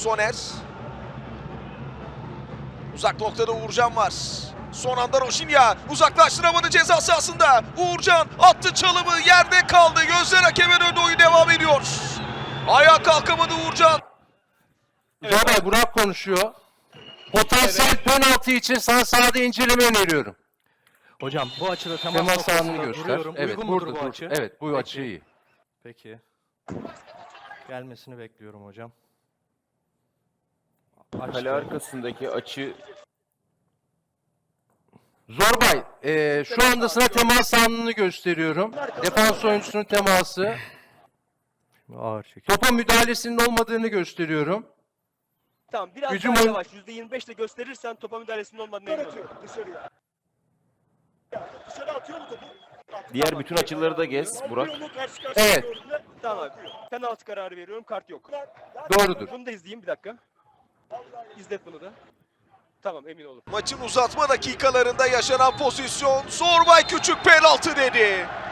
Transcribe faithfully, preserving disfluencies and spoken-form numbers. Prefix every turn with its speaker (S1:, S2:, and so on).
S1: Soner. Uzak noktada Uğurcan var. Son anda Roşinya uzaklaştıramadı ceza sahasında. Uğurcan attı çalımı, yerde kaldı. Gözler hakeme döndü, oyun devam ediyor. Ayağa kalkamadı Uğurcan.
S2: Evet. Bey, Burak konuşuyor. Potansiyel evet. Penaltı için sana sahada inceleme öneriyorum.
S3: Hocam bu açıda temas,
S2: temas
S3: noktasında
S2: anını göster.
S3: duruyorum.
S2: Evet,
S3: Uygun
S2: burada,
S3: mudur bu
S2: dur.
S3: açı?
S2: Evet, bu
S3: Peki.
S2: açı iyi.
S3: Peki. Gelmesini bekliyorum hocam.
S4: Kale arkasındaki açı...
S2: Zorbay, e, şu anda sana temas anını gösteriyorum. Defans oyuncusunun teması.
S3: Ağır çekim.
S2: Topa müdahalesinin olmadığını gösteriyorum.
S5: Tamam, biraz
S2: Hücum
S5: daha
S2: oyun-
S5: yavaş. yüzde yirmi beş ile gösterirsen topa müdahalesinin olmadığını emin olurum.
S6: Dışarıya. Dışarı atıyor mu topu?
S4: Diğer bütün açıları da gez Burak.
S6: Karşı karşıya
S2: Evet.
S6: gördüğünde
S5: Tamam abi. Penaltı kararı veriyorum, kart yok.
S2: Doğrudur.
S5: Bunu da izleyeyim bir dakika. İzlet bunu da. Tamam, emin olun.
S1: Maçın uzatma dakikalarında yaşanan pozisyon. Zorbay Küçük penaltı dedi.